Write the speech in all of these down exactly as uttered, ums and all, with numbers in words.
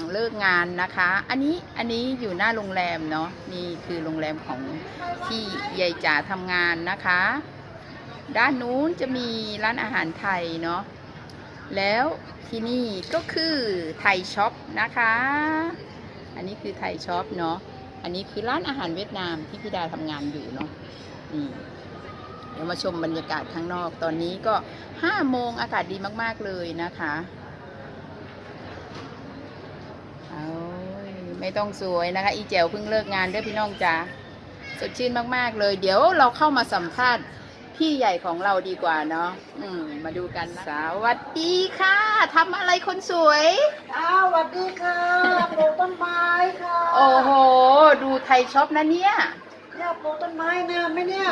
เลิกงานนะคะอันนี้อันนี้อยู่หน้าโรงแรมเนาะนี่คือโรงแรมของที่ยายจ๋าทำงานนะคะด้านนู้นจะมีร้านอาหารไทยเนาะแล้วที่นี่ก็คือไทยช็อปนะคะอันนี้คือไทยช็อปเนาะอันนี้คือร้านอาหารเวียดนามที่พี่ดาทำงานอยู่เนาะนี่เดี๋ยวมาชมบรรยากาศข้างนอกตอนนี้ก็ห้าโมงอากาศดีมากๆเลยนะคะเอาไม่ต้องสวยนะคะอีแจ๋วเพิ่งเลิกงานด้วยพี่น้องจ๋าสดชื่นมากๆเลยเดี๋ยวเราเข้ามาสัมภาษณ์พี่ใหญ่ของเราดีกว่าเนาะอืมมาดูกันนะสวัสดีค่ะทำอะไรคนสวยอ้าวสวัสดีค่ะปลูกต้นไม้ค่ะโอ้โหดูไทยช็อปนะเนี่ยเนี่ยปลูกต้นไม้นะไหมเนี่ย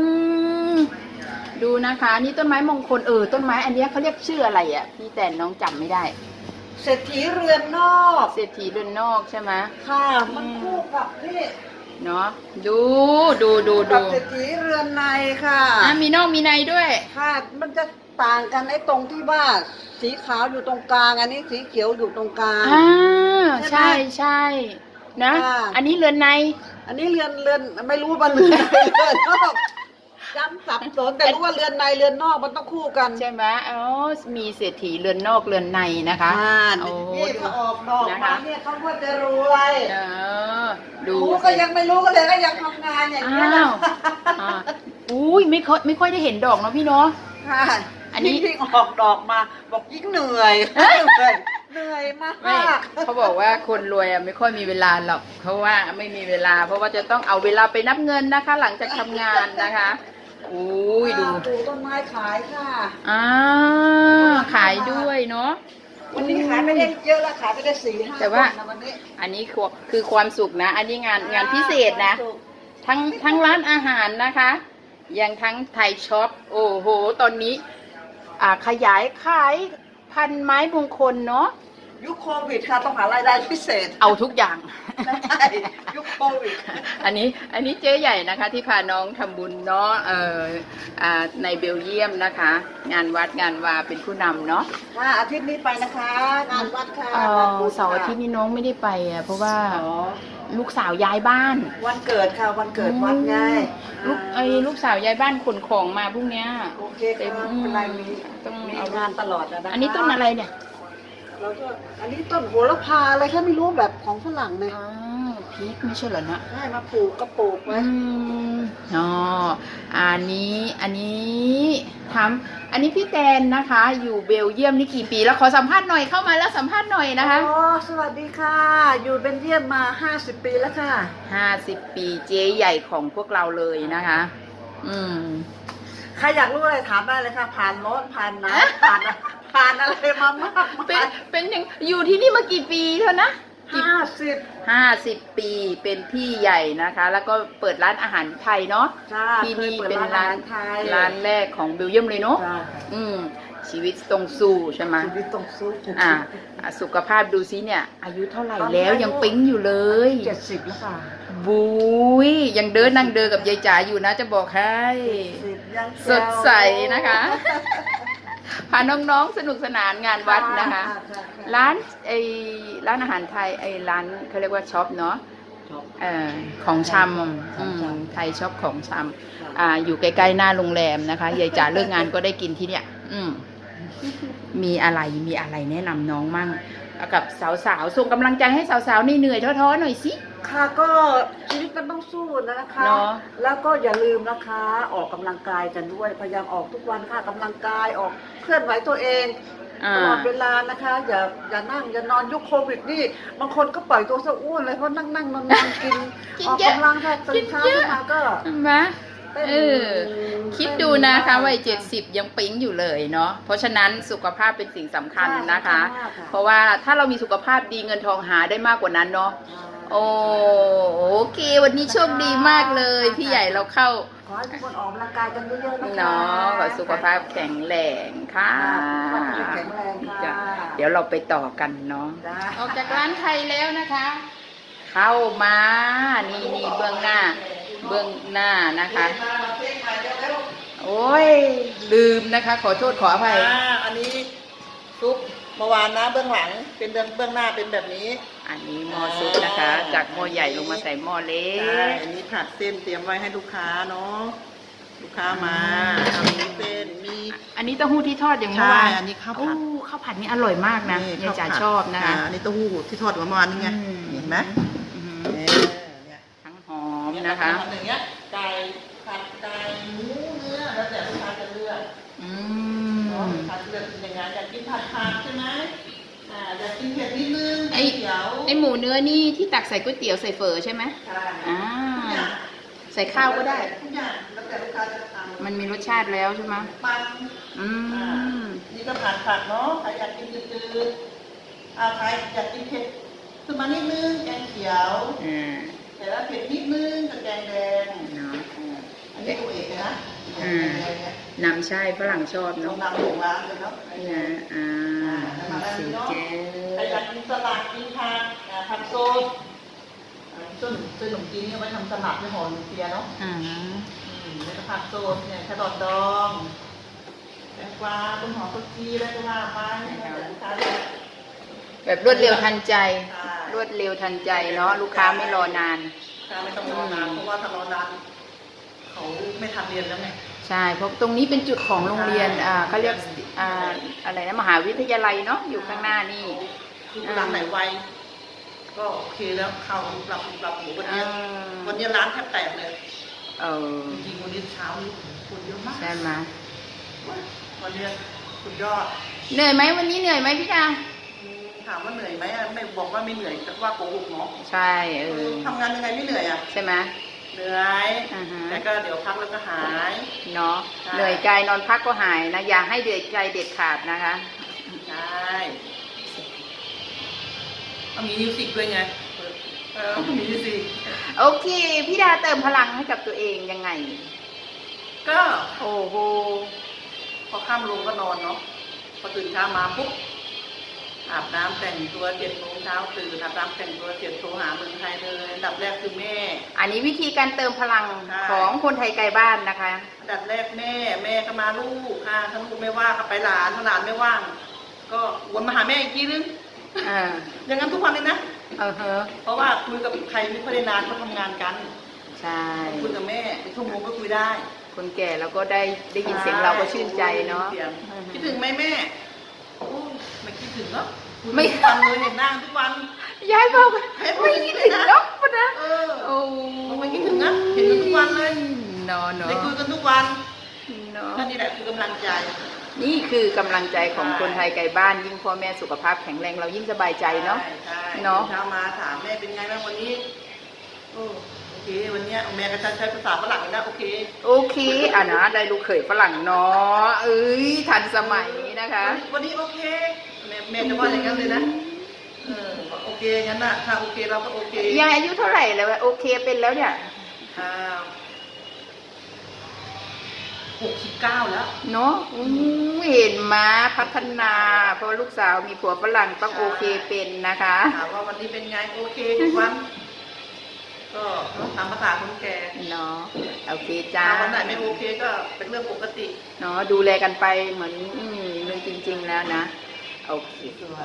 ดูนะคะนี่ต้นไม้มงคลเออต้นไม้อันนี้เขาเรียกชื่ออะไรอ่ะพี่แต่น้องจำไม่ได้เศรษฐีเรือนนอกเศรษฐีเรือนนอกใช่ไหมค่ะมันคู่กับนี่เนาะดูดูดูดูเศรษฐีเรือนในค่ะอ่ะมีนอกมีในด้วยค่ะมันจะต่างกันไอ้ตรงที่ว่าสีขาวอยู่ตรงกลางอันนี้สีเขียวอยู่ตรงกลางอ่าใช่ใช่นะอันนี้เรือนในอันนี้เรือนเรือนไม่รู้ว่าเรือนในเรือนนอกจำสับสนแต่รู้ว่าเรือนในเรือนนอกมันต้องคู่กันใช่ไหมอ๋อมีเศรษฐีเรือนนอกเรือนในนะคะโอ้นี่เขาออกดอกมาเนี่ยเขาว่าจะรวยเออดูก็ยังไม่รู้ก็เลยก็ยังทำงานอย่างนี้นะอุ้ยไม่ค่อยไม่ค่อยได้เห็นดอกเนาะพี่เนาะค่ะอันนี้ยิ่งออกดอกมาบอกยิ่งเหนื่อยเหนื่อยเหนื่อยมากเขาบอกว่าคนรวยไม่ค่อยมีเวลาหรอกเพราะว่าไม่มีเวลาเพราะว่าจะต้องเอาเวลาไปนับเงินนะคะ หลังจากทำงานนะคะอุ้ยดูปลูกต้นไม้ขายค่ะอ่าขายด้วยเนาะวันนี้ขายไม่ได้เยอะละขายไปได้สี่ห้าแต่ว่าอันนี้คือความสุขนะอันนี้งานงานพิเศษนะทั้งทั้งร้านอาหารนะคะยังทั้งไทยช็อปโอ้โหตอนนี้อ่าขยายขายพันไม้มงคลเนาะยุคโควิดค่ะต้องหารายได้พิเศษเอาทุกอย่างใช่ยุคโควิดอันนี้อันนี้เจ๊ใหญ่นะคะที่พาน้องทำบุญเนาะเอ่ออ่าในเบลเยียมนะคะงานวัดงานวาเป็นผู้นำเนาะค่ะอาทิตย์นี้ไปนะคะงานวัดค่ะเสาร์อาทิตย์นี้น้องไม่ได้ไปอ่ะเพราะว่าลูกสาวย้ายบ้านวันเกิดค่ะวันเกิดวัดไงลูกไอ้ลูกสาวย้ายบ้านขนของมาพรุ่งนี้โอเคเต็มอะไรมีต้องมีงานตลอดนะอันนี้ต้นอะไรเนี่ยแล้วก็อันนี้ต้นโหระพาอะไรแค่ไม่รู้แบบของฝรั่งเลยพริกไม่ใช่เหรอนะใช่มาปลูกก็ปลูกไว้อ๋ออันนี้อันนี้ทำอันนี้พี่แตนนะคะอยู่เบลเยียมนี่กี่ปีแล้วขอสัมภาษณ์หน่อยเข้ามาแล้วสัมภาษณ์หน่อยนะคะอ๋อสวัสดีค่ะอยู่เบลเยียมมาห้าสิบปีแล้วค่ะห้าสิบปีเจ๊ใหญ่ของพวกเราเลยนะคะอืมใครอยากรู้อะไรถามได้เลยค่ะผ่านร้อนผ่านหนาวผ่านผ่านอะไรมามากเป็นเป็นอย่างอยู่ที่นี่มากี่ปีเท่านะห้าสิบห้าสิบปีเป็นพี่ใหญ่นะคะแล้วก็เปิดร้านอาหารไทยเนาะที่นี่เป็นร้านร้านแรกของเบลเยียมเลยเนาะอืมชีวิตต้องสู้ใช่ไหมชีวิตต้องสู้อ่าสุขภาพดูซิเนี่ยอายุเท่าไหร่แล้วยังปิ๊งอยู่เลยเจ็ดสิบแล้วค่ะบุ้ยยังเดินนั่งเดินกับยายจ๋าอยู่นะจะบอกให้สดใสนะคะพาน้องๆสนุกสนานงานวัดนะคะร้านไอร้านอาหารไทยไอร้านเขาเรียกว่าช็อปเนาะเอ่อของชำไทยช็อปของชำอ่าอยู่ใกล้ๆหน้าโรงแรมนะคะยายจ๋าเลิกงานก็ได้กินที่เนี่ยอืมมีอะไรมีอะไรแนะนำน้องมั่งกับสาวๆส่งกำลังใจให้สาวๆเหนื่อยท้อๆหน่อยสิค่ะก็ชีวิตมันต้องสู้นะคะแล้วก็อย่าลืมนะคะออกกำลังกายกันด้วยพยายามออกทุกวันค่ะกำลังกายออกเคลื่อนไหวตัวเองตลอดเวลานะคะอย่าอย่านั่งอย่านอนยุคโควิดนี่บางคนก็ปล่อยตัวซะอ้วนเลยเพราะนั่งนั่งนอนนอนกินออกกำลังแค่ตื่นเช้าขึ้นมาก็มาเออคิดดูนะคะวัยเจ็ดสิบยังปิ๊งอยู่เลยเนาะเพราะฉะนั้นสุขภาพเป็นสิ่งสำคัญนะคะเพราะว่าถ้าเรามีสุขภาพดีเงินทองหาได้มากกว่านั้นเนาะโอ้โอเควันนี้โชคดีมากเลยพี่ใหญ่เราเข้าขอให้ทุกคนออกกำลังกายกันเยอะๆนะคะเนาะขอสุขภาพแข็งแรงค่ะแข็งแรงค่ะเดี๋ยวเราไปต่อกันเนาะออกจากร้านไทยแล้วนะคะเข้ามานี่นี่เบื้องหน้าเบื้องหน้านะคะโอ้ยลืมนะคะขอโทษขออภัยอันนี้ซุปมมื่อวานนะเบื้องหลังเป็นเบื้องเบื้องหน้าเป็นแบบนี้อันนี้หม้อซุปนะคะ จากหม้อใหญ่ลงมาใส่หม้อเล็ใช่กอันนี้ผัดเส้นเตรียมไว้ให้ลูกค้าเนาะลูกค้ามาทำมีเส้นมีอันนี้เต้าหู้ที่ทอดอย่างเมื่อวานใช่อันนี้ข้าวผัดโอ้ข้าวผัดนี่อร่อยมากนะยายจ๋าชอบนะคะอันนี้เต้าหู้ที่ทอดเมื่อวานนี่ไงอืมเห็นไหมอืมเนี่ยเนี่ยทั้งหอมนะคะทำอย่างเงี้ยไก่ผัดไก่หมูเนื้อแล้วแต่ลูกค้าจะเลือกอืเนาะมลูกค้าจะเลือกกินยังไงอยากกินผัดผักใช่ไหมอ่าอยากกินเผ็ดนิดนึงไอ้เขียวไอหมูเนื้อนี่ที่ตักใส่ก๋วยเตี๋ยวใส่เฝอใช่ไหมใช่อ่าใส่ข้าวก็ได้ทุกอย่างแล้วแต่ลูกค้าจะทำมันมีรสชาติแล้วใช่ไหมมันอืมนี่ก็ผัดผักเนาะใครอยากกินจืดๆอ่าใครอยากกินเผ็ดขึ้นมานิดนึงแกงเขียวอืมแต่ละเผ็ดนิดนึงกับแกงแดงเนาะอันนี้ตัวเอกเลยนะอืมแกงแดงเนี่ยนำใช่ฝรั่งชอบเราเนาะนำของร้านเลยเนาะนะอ่าสีแก้ใครวอยากกินสลัดกินผักอ่าผักโซนอ่าส้นส้นขนมจีนเนี่ยไว้ทำสลัดไม่ห่อหนึ่งเปียเนาะอ่าอืมแล้วก็ผักโซนเนี่ยแครอทดองแตงกวาต้นหอมต้นจีแล้วก็ว่าไปแล้วแต่ลูกค้าเลือกแบบรวดเร็วทันใจใช่รวดเร็วทันใจเนาะลูกค้าไม่รอนานลูกค้าไม่ต้องรอนานเพราะว่าถ้ารอนานเขาไม่ทันเรียนแล้วไงใช่เพราะตรงนี้เป็นจุดของโรงเรียนอ่าเขาเรียกอ่าอะไรนะมหาวิทยาลัยเนาะอยู่ข้างหน้านี่คือร้านไหนไวก็โอเคแล้วเข้าปรับปรับหมูวันนี้อ่าวันนี้ร้านแทบแตกเลยเออจริงๆวันนี้เช้านี้คนเยอะมากใช่ไหมวันนี้สุดยอดเหนื่อยไหมวันนี้เหนื่อยไหมพี่ดาอืมถามว่าเหนื่อยไหมอ่ะไม่บอกว่าไม่เหนื่อยแต่ว่าโกหกเนาะใช่เออทำงานยังไงไม่เหนื่อยอ่ะใช่ไหมเหนื่อยอ่าฮะแต่ก็เดี๋ยวพักแล้วก็หายเนาะใช่เหนื่อยกายนอนพักก็หายนะอย่าให้เดือดใจเด็ดขาดนะคะใช่ต้องมีมิวสิกด้วยไงเออต้องมีมิวสิกโอเคพี่ดาเติมพลังให้กับตัวเองยังไงก็โอ้โหพอข้ามลงก็นอนเนาะพอตื่นเช้ามาปุ๊บอาบน้ำแต่งตัวเจ็ดโมงเช้าตื่นอาบน้ำแต่งตัวเจ็ดโทรหาเมืองไทยเลยอันดับแรกคือแม่อันนี้วิธีการเติมพลังใช่ของคนไทยไกลบ้านนะคะอันดับแรกแม่แม่ก็มาลูกค่ะถ้าลูกไม่ว่างก็ไปหลานถ้าหลานไม่ว่าง ก็วนมาหาแม่อีกทีนึงอ่าอย่างนั้นทุกวันเลยนะเออเฮะเพราะว่าคุยกับใครไม่ค่อยได้นานเขาทำงานกันใช่คุยกับแม่เป็นชั่วโมงก็คุยได้คนแก่แล้วก็ได้ได้ยินเสียงเราก็ชื่นใจเนาะสียงคิดถึงไหมแม่โอ้ไม่คิดถึงเนาะคุยไม่ทุกวันเลยเห็นหน้าทุกวันยายบอกเห็นไม่คิดถึงนกปะนะเออโอ้ไม่คิดถึงนะเห็นกันทุกวันเลยเนาะเนาะได้คุยกันทุกวันเนาะก็นี่แหละคือกำลังใจนี่คือกำลังใจของคนไทยไกลบ้านยิ่งพ่อแม่สุขภาพแข็งแรงเรายิ่งสบายใจเนาะใช่ใช่เนาะเช้ามาถามแม่เป็นไงบ้างวันนี้โอ้โอเค วันเนี้ยแม่ก็จะใช้ภาษาฝรั่งนะโอเคโอเคอ่ะนะได้ลูกเขยฝรั่งเนาะเอ้ยทันสมัยนะคะวันนี้โอเคแม่แม่จะว่าอย่างนั้นเลยนะเออโอเคงั้นน่ะถ้าโอเคเราก็โอเคยายอายุเท่าไหร่แล้ววะโอเคเป็นแล้วเนี่ยอ่าหกสิบเก้าแล้วเนาะอู้เห็นมาพัฒนา เพราะว่าลูกสาวมีผัวฝรั่งต้องโอเคเป็นนะคะถามว่าวันนี้เป็นไงโอเคทุกวัน ก็ตามภาษาคนแก่เนาะโอเคจ้าถ้าวันไหนไม่โอเคก็เป็นเรื่องปกติเนาะดูแลกันไปเหมือนอืมเรื่องจริง ๆ แล้วนะโอเคสวย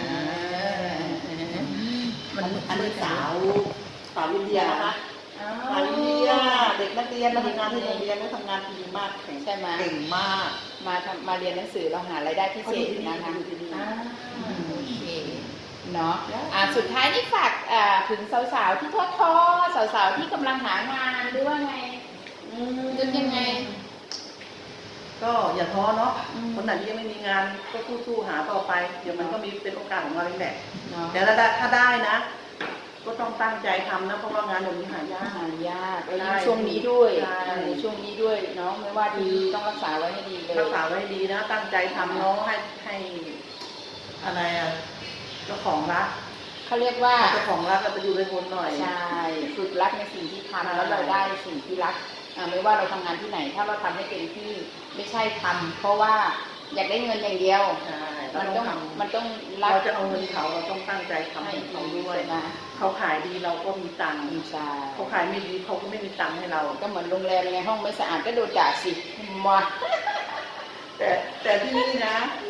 มันอันนี้สาวสาวอินเดียนะคะสาวอินเดียเด็กนักเรียนมาทำงานที่โรงเรียนก็ทำงานดีมากแข็งใช่ไหมเก่งมากมาทำมาเรียนหนังสือเราหารายได้พิเศษนะคะเขาดูดีๆอ่าโอเคเนาะอ่าสุดท้ายนี่ฝากอ่าถึงสาวๆที่ท้อท้อๆสาวๆที่กำลังหางานหรือว่าไงนึกยังไงก็อย่าท้อเนาะอืมคนไหนที่ยังไม่มีงานก็สู้ๆหาต่อไป เดี๋ยวมันก็มีเป็นโอกาสของเราเองแหละเนาะแต่ถ้าได้ถ้าได้นะ ก็ต้องตั้งใจทำนะ เพราะว่างานเดี๋ยวนี้หายากหายากแล้วใช่ยิ่งช่วงนี้ด้วยใช่ในช่วงนี้ด้วยเนาะไม่ว่าดีต้องรักษาไว้ให้ดีเลยรักษาไว้ให้ดีนะ ตั้งใจทำเนาะให้ให้อะไรอ่ะเจ้าของรักเขาเรียกว่าเจ้าของรักเราไปอยู่ในคนหน่อยใช่ฝึกรักในสิ่งที่ใช่ทำแล้วเราได้สิ่งที่รักอ่าไม่ว่าเราทำงานที่ไหน ถ้าเราทำให้เต็มที่ไม่ใช่ทำเพราะว่าอยากได้เงินอย่างเดียวใช่เรามันต้ต้ออง งทำมันต้องรักเราจะเอาเงินเขาเราต้องตั้งใจทำให้ให้เขาดีด้วยใช่ไหมเขาขายดีเราก็มีตังค์ใช่เขาขายไม่ดีเขาก็ไม่มีตังค์ให้เราก็เหมือนโรงแรมไงห้องไม่สะอาดก็โดนด่าสิมาแต่แต่ที่นี่นะ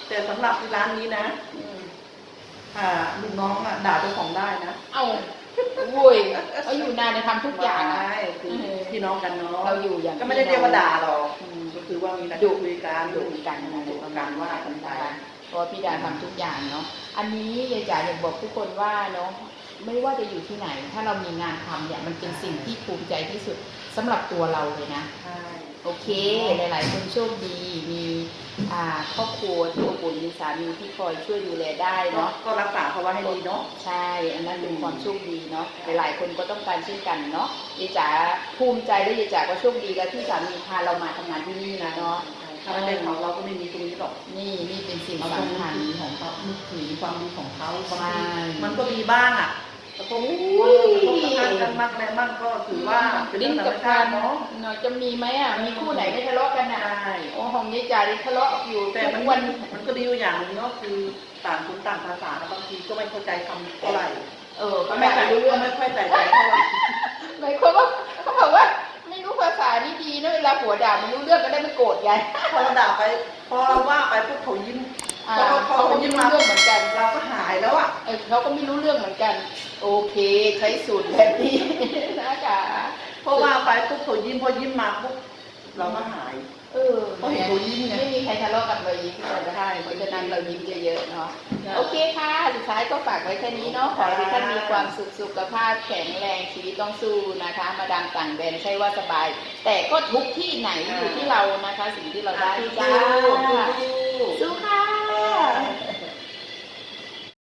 แต่สำหรับร้านนี้นะอืมอ่าลูกน้องอ่ะด่าเจ้าของได้นะเอ้าโว้ยเขาอยู่นานในทำทุกอย่างอะใช่คือพี่น้องกันเนาะเราอยู่อย่างก็ไม่ได้เรียกว่าด่าหรอกอืมก็คือว่ามีการดุคุยกันดุกันนะดุกันว่ากันไปเพราะว่าพี่ดาทำทุกอย่างเนาะ อันนี้ยายจ๋าอยากบอกทุกคนว่าเนาะไม่ว่าจะอยู่ที่ไหน ถ้าเรามีงานทำเนี่ยมันเป็นสิ่งที่ภูมิใจที่สุดสำหรับตัวเราเลยนะใช่โอเค หลายๆคนโชคดี มีอ่าครอบครัวที่อบอุ่นมีสามีที่คอยช่วยดูแลได้เนาะเนาะก็รักษาเขาไว้ให้ดีเนาะใช่ อันนั้นเป็นความโชคดีเนาะ หลายๆคนก็ต้องการเช่นกันเนาะยายจ๋าภูมิใจและยายจ๋าก็โชคดีกับที่สามีพาเรามาทำงานที่นี่นะเนาะถ้าไม่เป็นของเราก็ไม่มีตรงนี้หรอกนี่นี่เป็นสิ่งเราต้องสำคัญนึกถึงของเขานึกถึงความดีของเขาบางใช่ทีมันก็มีบ้างอ่ะแต่ผมกระทบกันมากอะไรมากก็ถือว่าเป็นดิ้เรื่อน งธรกัรบมกาชาร ติเนาะเนาะจะมีไหมอ่ะ มีคู่ไหนไม่ทะเลาะกันอ่ะใช่โอ้ของยายจ๋าที่ทะเลาะอยู่แต่ทุมันกวันมันก็ดีอยู่อย่างหนึงเนาะคือต่างคนต่างภาษานะบางทีก็ไม่เข้าใจคำเท่าไหร่เออก็ก็ไม่ไม่ใส่รู้รู้เรื่องไม่ค่อยใส่ใจเท่าไหร่หมายความว่าเขาบอกว่าไม่รู้ภาษานี่ดีนะเวลาผัวด่าไม่รู้เรื่องก็ได้ไม่โกรธไงพอเราด่าไป พอเราว่าไปพวกเขายิ้มอ่าพอเขาเขาก็เขาไม่ยิ้มรู้มาเรื่องเหมือนกันเราก็หายแล้วอ่ะเออเขาก็ไม่รู้เรื่องเหมือนกัน โอเค ใช้สูตรแบบนี้ นะคะเพราะว่าไปปุ๊บเขายิ้มพอยิ้มมาปุ๊บเราก็หายเออเขาเห็นเขายิ้มไงไม่มีใครทะเลาะกับเรายิ้มกันใช่เพราะฉะนั้นเรายิ้มเยอะๆเนาะใช่โอเคค่ะ สุดท้ายก็ฝากไว้แค่นี้เนาะ ขอให้ทุกท่านมีความสุขสุขภาพแข็งแรงชีวิตต้องสู้นะคะ มาดามต่างแดนใช่ว่าสบาย แต่ก็ทุกที่ไหนอยู่ที่เรานะคะ สิ่งที่เราได้จ้า สู้ค่ะ